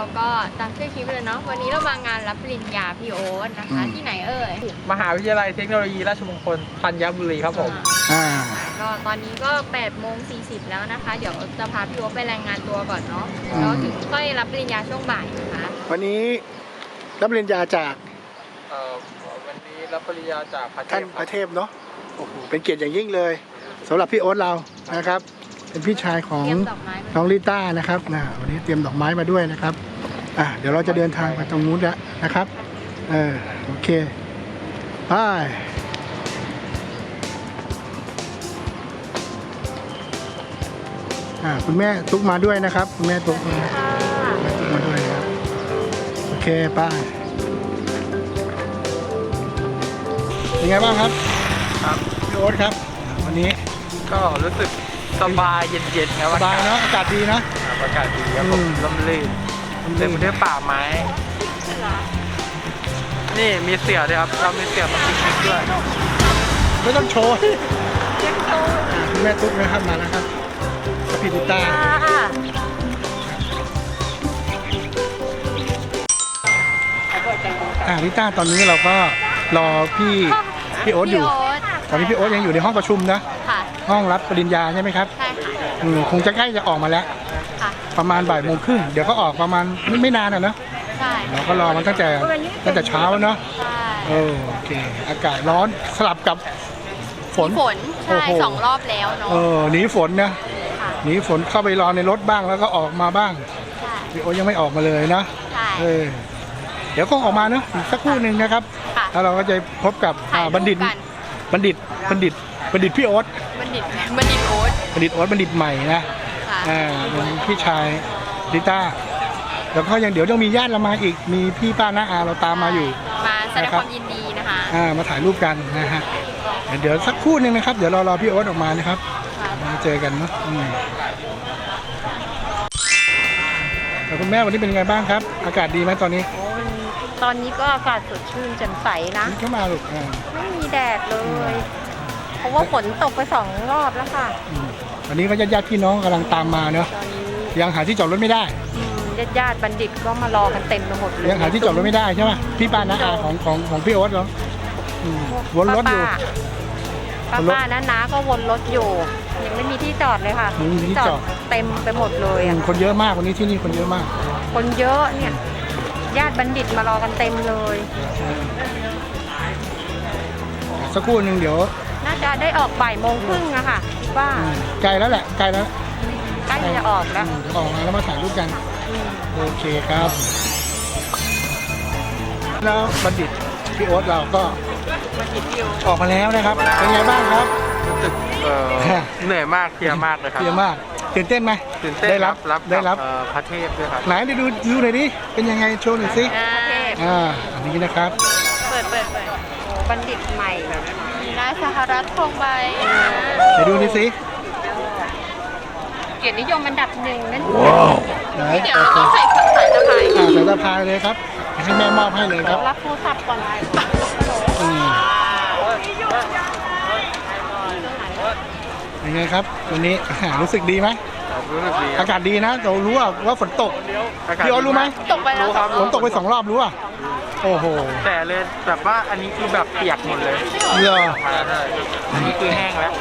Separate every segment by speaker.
Speaker 1: ก็ตามชื่อคลิปเลยเนาะวันนี้เรามางานรับปริญญาพี่โอ๊ตนะคะที่ไหนเอ่ย
Speaker 2: มหาวิทยาลัยเทคโนโลยีราชมงคลธัญบุรีครับผม
Speaker 1: ก็ตอนนี้ก็8:40แล้วนะคะเดี๋ยวจะพาพี่โอ๊ตไปรายงานตัวก่อนเนาะแล้วถึงค่อยรับปริญญาช่วงบ่ายนะคะ
Speaker 3: วันนี้รับปริญญาจาก
Speaker 2: วันนี้รับปริญญาจาก
Speaker 3: ท่านพระเทพเนาะโอ้โหเป็นเกียรติอย่างยิ่งเลยสำหรับพี่โอ๊ตเรานะครับเป็นพี่ชายของน้องลิต้านะครับวันนี้เตรียมดอกไม้มาด้วยนะครับเดี๋ยวเราจะเดินทางไปตรงนู้นแล้วนะครับโอเคไปคุณแม่ตุ๊กมาด้วยนะครับคุณแม่ตุ๊กมาด้วยนะครับโอเคไปเป็นไงบ้างครับพี่โอ๊ตครับวันนี้
Speaker 2: ก็รู้สึกสบายเย็นๆครับ
Speaker 3: สบายเนาะอากาศดีนะ
Speaker 2: อากาศดีครับผมลมลื่นเต็มไปด้วยป่าไม้นี่มีเสือด้วยครับเรามีเสือมาปิกนิกด้วย
Speaker 3: ไม่ต้องโชว์แม่ตุ๊กนะครับมาแล้วครับพี่ลิต้าลิต้าตอนนี้เราก็รอพี่โอ๊ตอยู่ตอนนี้พี่โอ๊ตยังอยู่ในห้องประชุมนะห้องรับปริญญาใช่ไหมครับใช่ค่ะคงจะใกล้จะออกมาแล้วประมาณบ่ายโมงครึ่งเดี๋ยวก็ออกประมาณไม่นานนะเนาะใช่เราก็รอมันตั้งแต่เช้าเนาะโอเคอากาศร้อนสลับกับฝน
Speaker 1: ใช่2 รอบแล้วเนาะ
Speaker 3: หนีฝนนะหนีฝนเข้าไปรอในรถบ้างแล้วก็ออกมาบ้างพี่โอ๊ตยังไม่ออกมาเลยนะเดี๋ยวก็ออกมาเนาะสักครู่หนึ่งนะครับแล้วเราก็จะพบกับบัณฑิตพี่โอ๊ตบัณฑิตโอ๊ตบัณฑิตใหม่นะพี่ชายลิต้าแล้วก็ยังเดี๋ยวต้องมีญาติเรามาอีกมีพี่ป้าน้าอาเราตามมาอยู่
Speaker 1: มาแสดงความยินดีนะคะ
Speaker 3: มาถ่ายรูปกันนะฮะเดี๋ยวสักครู่หนึ่งนะครับเดี๋ยวรอพี่โอ๊ตออกมานะครับมาเจอกันเนาะแล้วคุณแม่วันนี้เป็นยังไงบ้างครับอากาศดีไหมตอนนี้
Speaker 4: ตอนนี้ก็อากาศสดชื่นแจ่มใสนะ
Speaker 3: เข้ามาลูก
Speaker 4: ไม่มีแดดเลยเพราะว่าฝนตกไป2 รอบแล้วค่ะ
Speaker 3: วันนี้ก็ญาติพี่น้องกำลังตามมาเนาะยังหาที่จอดรถไม่ได้
Speaker 4: ญาติบัณฑิตก็มารอกันเต็มไปหมดเลย
Speaker 3: ยังหาที่จอดรถไม่ได้ใช่ไหมพี่ป้าน้าอาของพี่โอ๊ตเหรอวนรถอยู่
Speaker 4: ป้าน้าก็วนรถอยู่ยังไม่มีที่จอดเลยค่ะที่จอดเต็มไปหมดเลย
Speaker 3: คนเยอะมากวันนี้ที่นี่คนเยอะมาก
Speaker 4: คนเยอะเนี่ยญาติบัณฑิตมารอกันเต็มเลย
Speaker 3: สักครู่หนึ่งเดี๋ยว
Speaker 4: น่าจะได้ออกบ่ายโมงครึ่งอะค่ะว่า
Speaker 3: ไกลแล้วแหละใกล้
Speaker 4: จะออกแล้ว
Speaker 3: ออกมาแล้วมาถ่ายรูปกันโอเคครับแล้วบัณฑิตพี่โอ๊ตเราก็ออกมาแล้วนะครับเป็นไงบ้างครับ
Speaker 2: รู้สึกเหนื่อยมากเพลียมากเลยครับ
Speaker 3: เพลียมากตื่นเต้นไหม
Speaker 2: ตื่นเต้นได้รับพระเทพด้วยครับ
Speaker 3: ไหนดูหน่อยดิเป็นยังไงโชว์หน่อยสิอันนี้นะครับ
Speaker 4: เปิดบัณฑิตใหม่
Speaker 1: นายสหรัฐคงใบ
Speaker 3: เดี๋ยวดูดิสิ
Speaker 4: เกียรตินิยมอันดับ1นั่น
Speaker 1: เดี๋ยวเราต้องใส่สายสะพาย
Speaker 3: สายสะพายเลยครับให้แม่มอบให้เลยครับ
Speaker 4: รับโทรศัพท์ก่อน
Speaker 3: ยังไงครับวันนี้รู้สึกดีไหมอากาศดีนะเรารู้ว่าฝนตกพี่โอ๊ตรู้ไหม
Speaker 1: ตกไปแล้ว
Speaker 3: ฝนตกไป2 รอบรู้อ่ะโอ้โห
Speaker 2: แต่เลยแบบว่าอันนี้คือแบบเปียกหมดเลยอันนี้คือแห้งแล้ว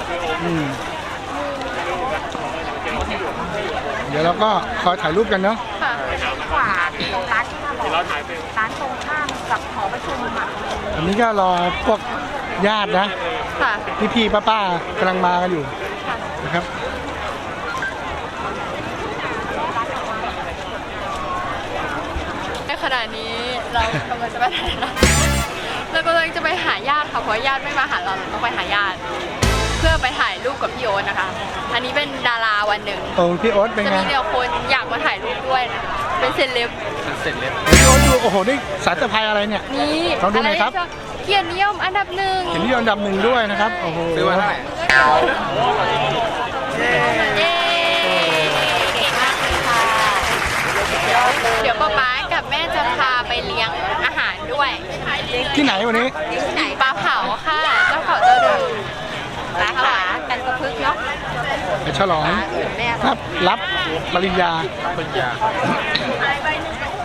Speaker 3: เดี๋ยวเราก็คอยถ่ายรูปกันเนาะ
Speaker 4: ขวาตรงร้านที่มาบอกร้านตรงข้ามกับหอประชุม
Speaker 3: อันนี้ก็รอพวกญาตินะพี่ป้ากำลังมากันอยู่นะครับ
Speaker 1: ในขณะนี้เรากำลังจะไปไหนนะเรากำลังจะไปหาญาติค่ะเพราะญาติไม่มาหาเราต้องไปหาญาติเพื่อไปถ่ายรูปกับพี่โอ๊ตนะคะอันนี้เป็นดาราวันหนึ่ง
Speaker 3: พี่โอ๊ตเป็นไง
Speaker 1: จะมีเดียวคนอยากมาถ่ายรูปด้วยนะเป็นเซเลบ
Speaker 3: พี่โอ๊ตดูโอ้โหนี่สายสะพายอะไรเนี่ย
Speaker 1: นี่
Speaker 3: ลองดูหน่อยครับ
Speaker 1: เกียรตินิยมอันดับ1
Speaker 3: เกียรตินิยมอันดับ1ด้วยนะครับโอ้โห
Speaker 2: ซื้อมาเท่าไหร่
Speaker 1: เดี๋ยวป๊ากับแม่จะพาไปเลี้ยงอาหารด้วย
Speaker 3: ที่ไหนวันนี้
Speaker 1: ที่ไหนปลาเผาค่ะเจ้าเขาเจ้าดูปลาเผากันกระพึกเนาะ
Speaker 3: ฉลองรับปริญญา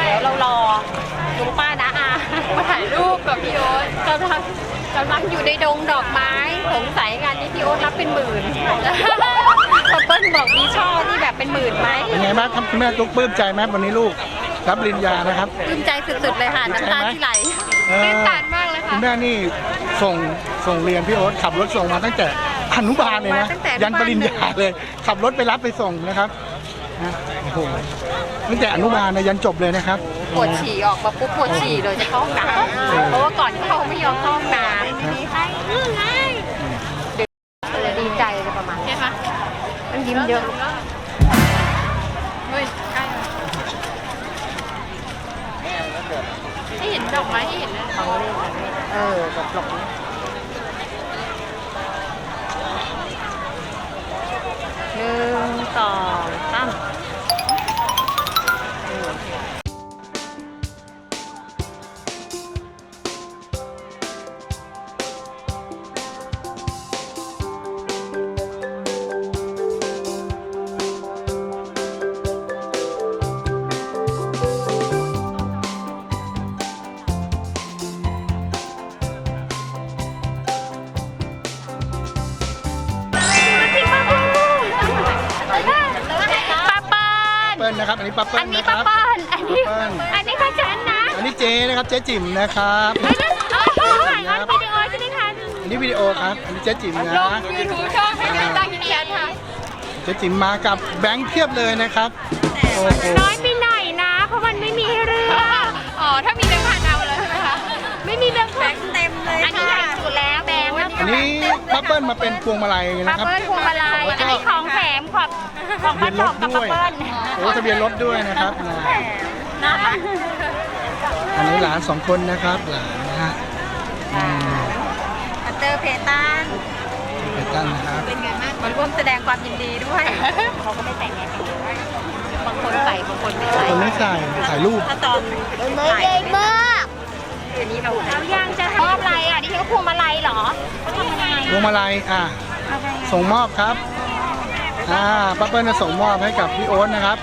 Speaker 4: เดี๋ยวเรารอลุงป้านะอา
Speaker 1: มาถ่ายรูปกับพี่โอ๊ต
Speaker 4: กำลังอยู่ในดงดอกไม้สงสัยกันนี่พี่โอ๊ตรับเป็นหมื่นพอเปิ้ลบอกมีช่อที่แบบเป็นหมื่นไหม
Speaker 3: เป็นไงบ้างครับคุณแม่ตุ๊กปลื้มใจไหมวันนี้ลูกรับปริญญานะครับ
Speaker 4: ปลื้มใจสุดๆเลยค่ะน้ำตาที่ไหล
Speaker 1: ตื่นตันมากเลย
Speaker 3: คุ
Speaker 1: ค่ะ
Speaker 3: ณแม่นี่ส่งเรียนพี่โอ๊ตขับรถส่งมาตั้งแต่อนุบาลเลยนะ
Speaker 4: มาตั้งแต่
Speaker 3: ยันปริญญาเลยขับรถไปรับไปส่งนะครับนะโอ้โหตั้งแต่อนุบาลนะยันจบเลยนะครับ
Speaker 4: ปวดฉี่ออกมาปุ๊บปวดฉี่เลยจะเข้าห้องน้ำเพราะว่าก่อนเข้าไม่ยอมเข้าห้องน้ำเลยดีใจเลยประมาณ
Speaker 1: เห็นไหม
Speaker 4: มันยิ้มเยอะ
Speaker 1: เฮ้ยใกล้ให้เห็นดอกไม้ให้เห็นนะ
Speaker 4: เขาเล่นกันหลบ1 2 3
Speaker 3: เปิ้ลนะครับอันนี้ป้าเปิ้ลนะครับ
Speaker 4: อันนี้ก็ฉันนะ
Speaker 3: อันนี้เจนะครับเจ๊จิ๋มนะครับ
Speaker 4: วิดีโอใช่ไหมคะ
Speaker 3: อันนี้วิดีโอครับอันนี้เจ๊จิ๋มนะ
Speaker 1: ลงยูทูบช่องให้ตั้งยินดีค่ะ
Speaker 3: เจ๊จิ๋มมากับแบงค์เพียบเลยนะครับโอ้โห
Speaker 4: น้อยไปหน่อยนะ เพราะมันไม่มีให้เลือก
Speaker 1: อ๋อถ้ามีแบงค์พันเอาเลยใช่ไหมคะ
Speaker 4: ไม่มีแบงค์เต็มเลยอันนี้ใหญ่สุดแล้วแบงค์
Speaker 3: อันนี้ป้าเปิ้ลมาเป็นพวงมาลัย
Speaker 4: ป้า
Speaker 3: นะครับ
Speaker 4: เปิ้ลพวงมาลัยอันนี้ของแถมของ
Speaker 3: ทะเบี
Speaker 4: ป้าย
Speaker 3: นร
Speaker 4: ตอ
Speaker 3: ถ
Speaker 4: บกับ
Speaker 3: ด้
Speaker 4: ป้า
Speaker 3: วย
Speaker 4: เปิ้ล
Speaker 3: โอ้ทะเบียนรถด้วยนะครับ
Speaker 4: น่ารัก
Speaker 3: อันนี้หลาน2 คนนะครับหลานนะฮะ
Speaker 4: เตอร์เพตัน
Speaker 3: เปตันนะครับ
Speaker 4: มันร่วมแสดงความยินดีด้วยเขาก็ไม่แต่งแน่บางคนใส่บางคนไม่ใส่
Speaker 3: คนไม่ใส่ถ่ายรูป
Speaker 4: ถ้าตอนใหญ่มากอันนี้เรายังจะมอบอะไรอ่ะดิฉันก็พวงมาลัยเหรอเขาทำยังไง
Speaker 3: พวงมาลัยส่งมอบครับป้าเปิ้ลจะส่งมอบให้กับพี่โอ๊ตนะครับ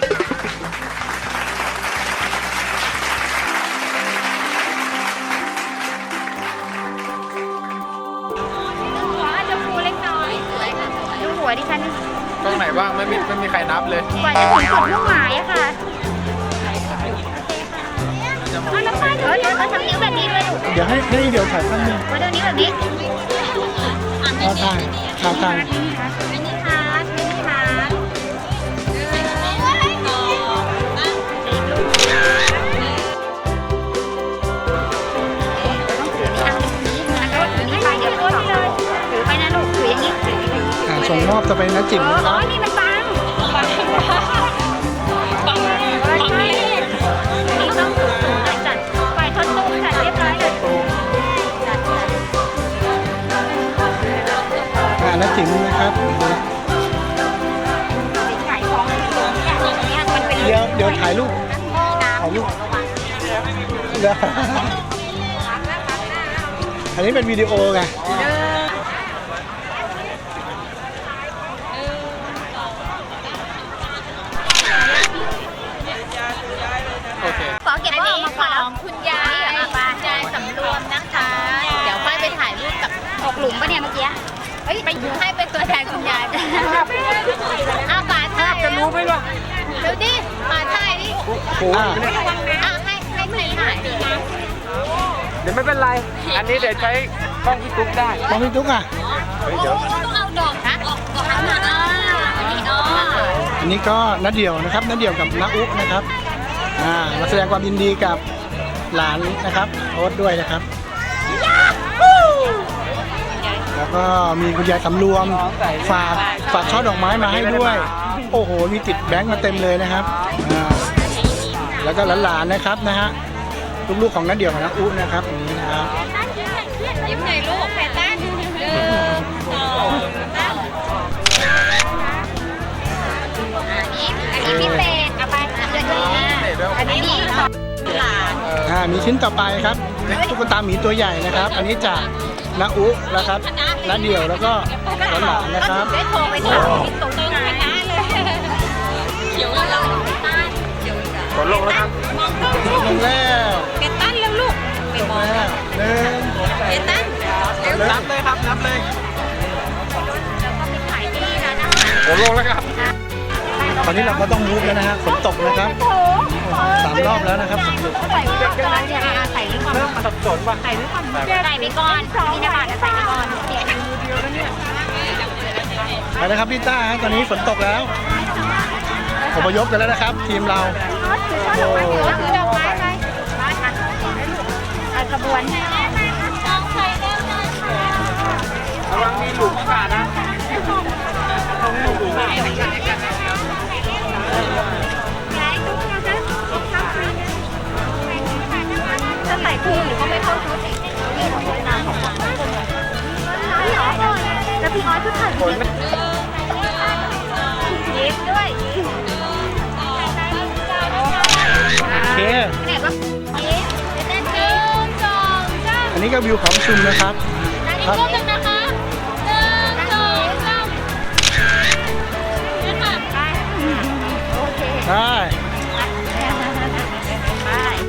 Speaker 4: หัวอาจจะฟูเล็กน้อยดูหัวดิฉัน
Speaker 2: ตรงไหนบ้างไม่มีใครนับเลย
Speaker 4: กว่าจะถึงจุดมุ่งหมายอะค่ะเอาน้ำมันเขาทำนิ้วแบบนี้ด้วยลูก
Speaker 3: เดี๋ยวให้เดี๋ยวถ่ายภาพนึง
Speaker 4: มาดูนิ้วแบบนี้
Speaker 3: เอาถ่ายถ่าย
Speaker 4: มินิฮาร์ดมินิฮาร์ดต้องถือนี่นี้แล้วก็ถือนี่ไปเดี๋ยวพ่นเลยถือไปนะลูกถืออย่างนี้ถือ
Speaker 3: ส่งมอบจะไปนะจิ๋มนะค
Speaker 4: อ๋อ
Speaker 3: รับ
Speaker 4: นี่มันบังนี่ต้องถูกจัดฝ่ายทดตุ้มจัดเรียบร้อยเลย
Speaker 3: นะจิ๋มนะครับ
Speaker 4: ขายของอยู่ตรงนี้เนี่ยมันเป็น
Speaker 3: เดี๋ยวถ่ายรูป ถ่ายรูปเดี๋ยวอันนี้เป็นวิดีโอไง
Speaker 2: โอเค
Speaker 4: ขอเก็บว่ามาของคุณยายยายสำรวมนะคะ
Speaker 1: เดี๋ยวค่อยไปถ่ายรูปกับ
Speaker 4: ตกหลุมปะเนี่ยเมื่อกี้
Speaker 1: เฮ้ยไปให้เป็นตัวแทนคุณยายอ้าวป๋าถ่าย
Speaker 2: จะรู้ไหมล่ะ
Speaker 1: เดี๋ยวดิป๋าถ่ายดิ
Speaker 3: อ่า
Speaker 1: อ่ะให้พี่ถ่ายดิ
Speaker 2: เดี๋ยวไม่เป็นไร อันนี้เดี๋ยวใช้กล้องพี่ตุ๊กได้
Speaker 3: มองพี่ตุ๊กอ่ะ
Speaker 1: ต้องเอาดอกนะดอกนะอันนี้อ๋อ
Speaker 3: อันนี้ก็นัดเดี่ยวนะครับนัดเดี่ยวกับน้าอุ๊นะครับมาแสดงความยินดีกับหลานนะครับโอ๊ตด้วยนะครับแล้วก็มีคุณยายสำรวมฝากช่อดอกไม้มาให้ด้วย โอ้โหมีติดแบงค์มาเต็มเลยนะครับแล้วก็หลานๆนะครับนะฮะลูกๆของนัดเดี่ยวกับน้าอุ๊นะครับอย่างนี้นะครับ
Speaker 1: ยิ้มหน่อยลูกแพตตันอันนี้พิเศษเอาไปอันนี้
Speaker 3: มีชิ้นต่อไปครับตุ๊กตาหมีตัวใหญ่นะครับ อันนี้จากน้าอุ๊นะครับน้าเดี่ยวแล้วก็หลานๆนะครับ
Speaker 1: ได้โทรไปถามพี่ตุ๊กชนะเลยเขียวเรา
Speaker 2: กดลงแล้วครับ
Speaker 1: มอง
Speaker 2: ผมลงแล้วครับ
Speaker 3: ตอนนี้เราก็ต้องมูฟแล้วนะฮะฝนตกนะครับ3 รอบแล้วนะครับ
Speaker 4: ใส่ไว้ก่อนเนี่ยใส่ไว้ก่อน
Speaker 2: เริ่มสับสนป่ะ
Speaker 4: ใส่ไปก่อนมีน้ำบาดใส่ไปก่อน
Speaker 3: ไปนะครับพี่ต้าฮะตอนนี้ฝนตกแล้วอพยพกันแล้วนะครับ ทีมเราโอ้
Speaker 4: ถือดอกไม้ไปขบวน
Speaker 2: ระวังมีหลุมอากาศนะต้องหลุม
Speaker 4: ถ้าใส่คู่หรือก็ไม่เข้าชุดแล้วพี่ออสชุดถ่ายรูปยิ้มด้วย
Speaker 3: โอเค
Speaker 4: เนี่ยก็ยิ้มเต้นยิ้ม2 3
Speaker 3: อันนี้ก็วิวเขาประชุมนะครับครับ
Speaker 4: รูปหนึ่งนะคะ1 2 3นี่ค่ะไปโอเค
Speaker 3: ได้
Speaker 4: ไป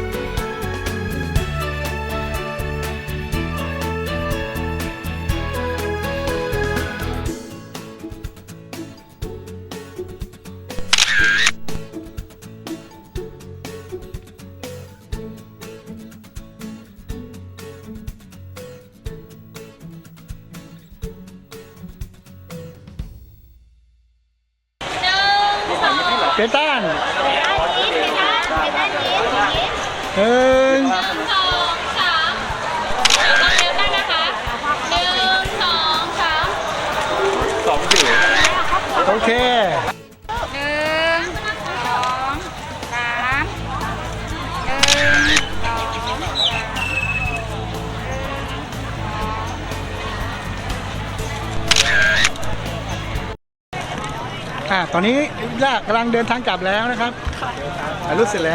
Speaker 3: เกตัน
Speaker 4: ยิ้มเลยนะไปด้านยิ้ม
Speaker 3: หนึ่ง
Speaker 4: 2 3ต้องเร็วได้นะคะ1 2 3
Speaker 2: 2 อยู่
Speaker 3: โอเค
Speaker 4: 1 2
Speaker 3: ตอนนี้ย่ากำลังเดินทางกลับแล้วนะครับถ่ายรูปเสร็จแล้ว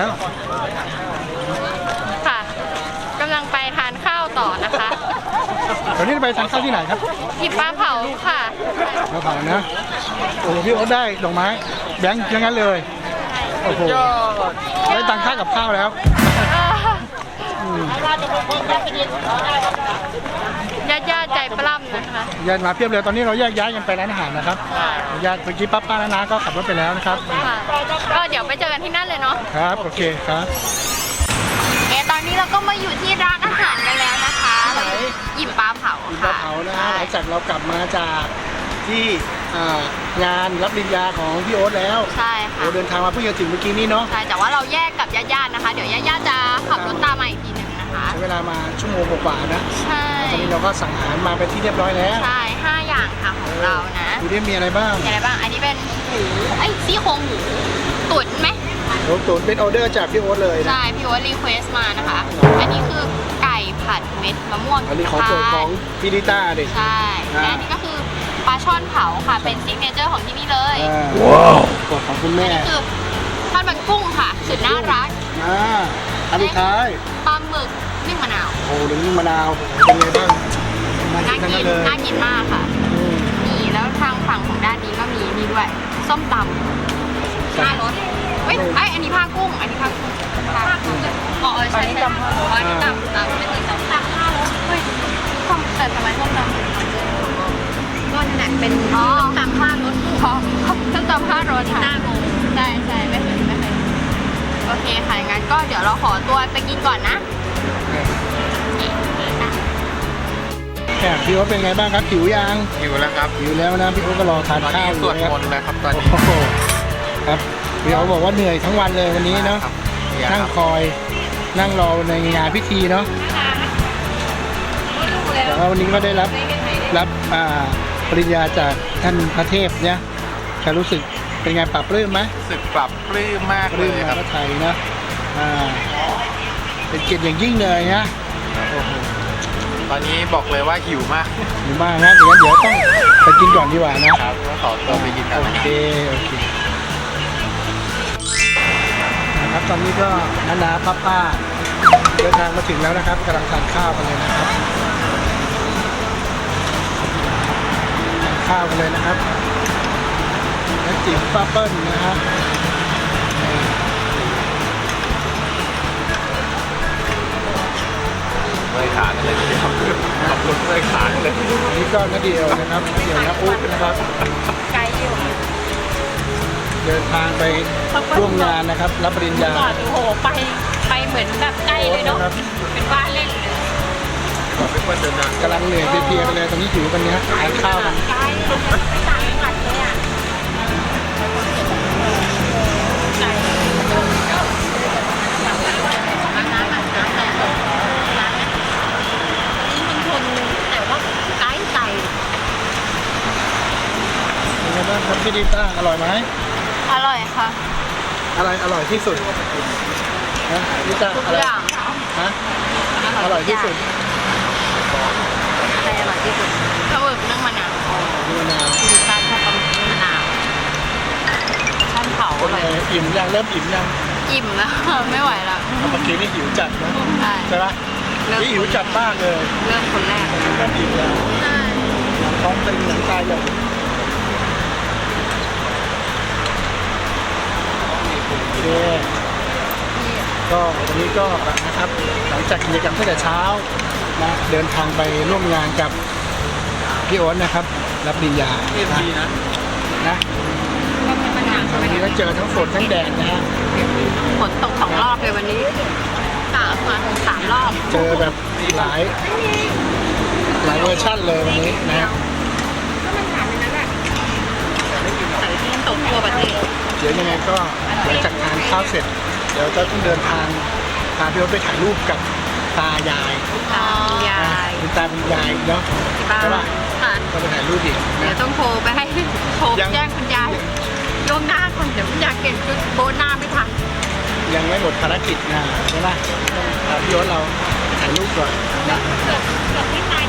Speaker 1: ค่ะกำลังไปทานข้าวต่อนะคะ
Speaker 3: ตอนนี้ไปทานข้าวที่ไหนครับ
Speaker 1: หยิบปลาเผาค่ะ
Speaker 3: เราเผานะโอ้โหพี่โอ๊ตได้ดอกไม้แบงค์อย่างนั้นเลยโอ้โหได้ตังค่ากับข้าวแล้วอืม
Speaker 1: ญาติใจปล้ำนะคะ
Speaker 3: ญาติมาเพียบเลยตอนนี้เราแยกย้ายกันไปร้านอาหารนะครับญาติเมื่อกี้ป้าน้าก็ขับรถไปแล้วนะครับ
Speaker 1: ค่ะก็เดี๋ยวไปเจอกันที่นั่นเลยเนาะ
Speaker 3: ครับโอเคครับ
Speaker 1: ตอนนี้เราก็มาอยู่ที่ร้านอาหารกันแล้วนะคะหยิบปลาเผา
Speaker 3: มีปลา
Speaker 1: ค่ะ
Speaker 3: เผานะฮะหลังจากเรากลับมาจากที่งานรับปริญญาของพี่โอ๊ตแล้ว
Speaker 1: ใช่ค่ะ
Speaker 3: เราเดินทางมาเพิ่งจะถึงเมื่อกี้นี้เนาะ
Speaker 1: ใช่แต่ว่าเราแยกกับญาติๆนะคะ เดี๋ยวญาติๆจะขับรถตามมาอีกทีหนึ่งนะคะ
Speaker 3: ใช้เวลามาชั่วโมงกว่าๆนะ
Speaker 1: ใช่
Speaker 3: ตอนนี้เราก็สั่งอาหารมาเป็นที่เรียบร้อยแล้ว
Speaker 1: ใช่5 อย่างค่ะของเรานะ
Speaker 3: ดูดิมีอะไรบ้าง
Speaker 1: มีอะไรบ้างอันนี้เป็นหมูซี่โครงหมูตุ๋นไหม
Speaker 3: โอ้ตุ๋นเป็นออเดอร์จากพี่โอ๊ตเลยนะ
Speaker 1: ใช่พี่โอ๊ตรีเควสมานะคะ อันนี้คือไก่ผัดเม็ดมะม่วง
Speaker 3: อันนี้ของโปรดของพี่ดิต้าดิ
Speaker 1: ใช่และอันนี้ก็คือปลาช่อนเผาค่ะเป็นซิกเนเจอร์ของที่นี่เลย
Speaker 3: ว้าวกดของคุณแม่
Speaker 1: นี่คือทอดมันกุ้งค่ะสุดน่ารัก
Speaker 3: อันสุดท้าย
Speaker 1: ปลาหมึกนึ่งมะนาว
Speaker 3: โอ้ดึงมะนาวเป็นไงบ้าง
Speaker 1: น่า
Speaker 3: ทั้ง
Speaker 1: กิน
Speaker 3: เลย
Speaker 1: น่ากินมากค่ะนี่แล้วทางฝั่งของด้านนี้ก็มีนี่ด้วยส้มตำผ้ารสเฮ้ยอันนี้ผ้ากุ้งอันนี้ผ้ากุ้งผ้ากุ้งอ๋อใช่ใช่อันนี้ตำเป็นที่ส้มตำผ้ารสเฮ้ยแต่ทำไมส้มตำก็นั่นแหละเป็นส้มตำผ้ารสอ๋อส้มตำผ้ารสค่ะใช่ใช่ไม่เคยโอเคค่ะงั้นก็เดี๋ยวเราขอตัวไปกินก่อนนะ
Speaker 3: พี่โอ๊ตเป็นไงบ้างครับหิวยัง
Speaker 2: อยู่แล้วครับ
Speaker 3: หิวแล้วนะพี่โอ๊ตก็รอทาน
Speaker 2: ตอน
Speaker 3: ข้า
Speaker 2: นี้
Speaker 3: วอ
Speaker 2: ส
Speaker 3: ยู่
Speaker 2: วด
Speaker 3: นะ
Speaker 2: มนต์แล้วครับตอนนี้
Speaker 3: โอ้โหครับพี่โอ๊ตบอกว่าเหนื่อยทั้งวันเลยวันนี้เนาะ
Speaker 2: ครับ
Speaker 3: นั่งคอยนั่งรอในงานพิธีเนาะแต่ว่าวันนี้ก็ได้รับปริญญาจากท่านพระเทพเนี่ยจะรู้สึกเป็นไงปรับปลื้มไหม
Speaker 2: รู้สึกปรับปลื้มมาก
Speaker 3: ป
Speaker 2: เล
Speaker 3: ลื้ม
Speaker 2: ย
Speaker 3: ใน
Speaker 2: ครับ
Speaker 3: พระไทยนะเป็นเกียรติอย่างยิ่งเลยนะโอ้โห
Speaker 2: ตอนนี้บอกเลยว่าหิวมาก
Speaker 3: หิวมากนะเดี๋ยวต้องไปกินก่อนดีกว่านะครับ
Speaker 2: ก็ขอตัวไปกินกัน
Speaker 3: โอ
Speaker 2: นะ
Speaker 3: เคนะครับตอนนี้ก็นาป้าเดินทางมาถึงแล้วนะครับกำลังทานข้าวกันเลยนะครับทานข้าวกันเลยนะครับและจิ๋มป้าเปิ้ลนะครับ
Speaker 2: เลยขาเลยทีเดียวขับรถเลยขาเลย
Speaker 3: อันนี้ก็นาเดียวนะครับนาเดียวนะอุ๊บนะครับ
Speaker 4: ไกลอยู่
Speaker 3: เดินทางไปร่วมงานนะครับ รับปริญญา
Speaker 4: ก่อนโอ้โหไปเหมือนแบบใกล้เลยเนาะเป็นบ้านเล่นเลย
Speaker 3: กำลังเหนื่อยเพลียๆกันเลยตอนนี้หิวกันเนี้ยทานข้าวกัน
Speaker 4: ใกล้ไปต่างจังหวัดเลยอ่ะไก่แต่ว่าไก่ไก่
Speaker 3: เป็นไงบ้างครับพี่ดิต้าอร่อยไหม
Speaker 1: อร่อยค่ะ
Speaker 3: อะไรอร่อยที่สุดนะดิต้า
Speaker 1: ทุก
Speaker 3: อะไร
Speaker 1: อย่าง
Speaker 3: ฮะอร่อยที่สุด
Speaker 1: อะไรอร่อยที่สุดก็เวิร์กเรื่องมะนาว
Speaker 3: นี่นะ
Speaker 1: ที่ดิฉันชอบมะนาวชั้นเผา
Speaker 3: เป็น
Speaker 1: เล
Speaker 3: ไง
Speaker 1: ย
Speaker 3: อิ่มยังเริ่มอิ่มยัง
Speaker 1: อิ่มแล้ว ไม่ไหวแล้ว
Speaker 3: เมื่อกี้นี่หิวจัดนะ
Speaker 1: ใช่
Speaker 3: ใช่ปะนี่หิวจัดมากเลย
Speaker 1: เริ่มคนแรก
Speaker 3: เริ่มอิ่มแล้ว
Speaker 1: ใช่
Speaker 3: ท้องเป็นหนังตายเลยโอเคก็วันนี้ก็นะครับหลังจากกิจกรรมตั้งแต่เช้านะเดินทางไปร่วมงานกับพี่โอ๊ตนะครับ รับปริญญานะ
Speaker 1: ก็เป็นมะนาว
Speaker 3: วันนี้ก็เจอทั้งฝนทั้งแดดนะฮะ
Speaker 1: ฝนตก2 รอบเลยวันนี้3 รอบ
Speaker 3: เจอแบบหลายเวอร์ชั่นเลยวันนี้นะฮะ
Speaker 1: ตกทั่วประเทศ
Speaker 3: เดี๋ยวยังไงก็หลังจากทานข้าวเสร็จ เดี๋ยวจะต้องเดินทางพาพี่โอ๊ตไปถ่ายรูปกับตายาย
Speaker 1: ยาย
Speaker 3: คุณตาเป็นยายเนาะ
Speaker 1: บ้า
Speaker 3: ใช่ป่ะ
Speaker 1: ค่ะ
Speaker 3: ก็ไปถ่ายรูปอีก
Speaker 1: เดี๋ย
Speaker 3: นะ
Speaker 1: วต้องโทรไปให้โทร
Speaker 3: ยัง
Speaker 1: แจ้งคุณยายล่วงหน้าก่อนเดี๋ยวคุณยายเก็บชุดโบนหน้าไม่ทัน
Speaker 3: ยังไม่หมดภารกิจนะใช่ป่ะต้องพาพี่โอ๊ตเราไปถ่ายรูปก่อนนะ
Speaker 4: เกือบที่ไทย